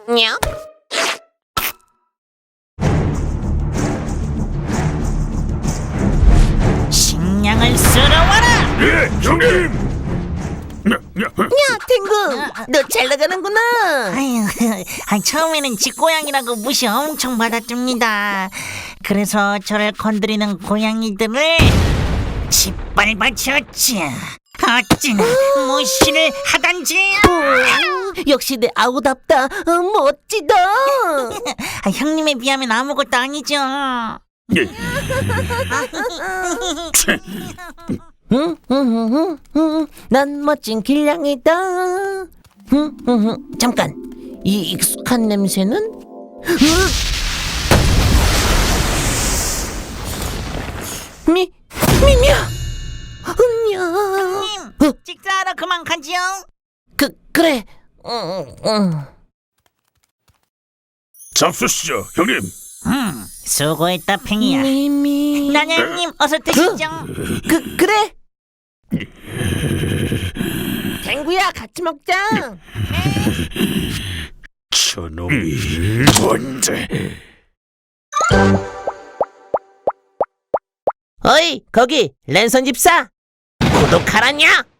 냐? 식량을 쓸어와라! 예, 형님. 야, 탱구, 너 잘 나가는구나. 아유, 처음에는 집고양이라고 무시 엄청 받았습니다. 그래서 저를 건드리는 고양이들을 짓밟아쳤지. 어찌나 무시를 하단지. 역시 내 아우답다. 멋지다. 형님에 비하면 아무것도 아니죠. 예. 난 멋진 길냥이다. 잠깐, 이 익숙한 냄새는? 미미야. 형님, 식사하러 그만 가지요. 그래. 잡수시죠, 형님. 수고했다, 팽이야. 미미. 나냥님, 어서 드시죠. 그래. 탱구야, 같이 먹자. 저놈이 뭔데? 어이, 거기 랜선 집사. 구독하라냐?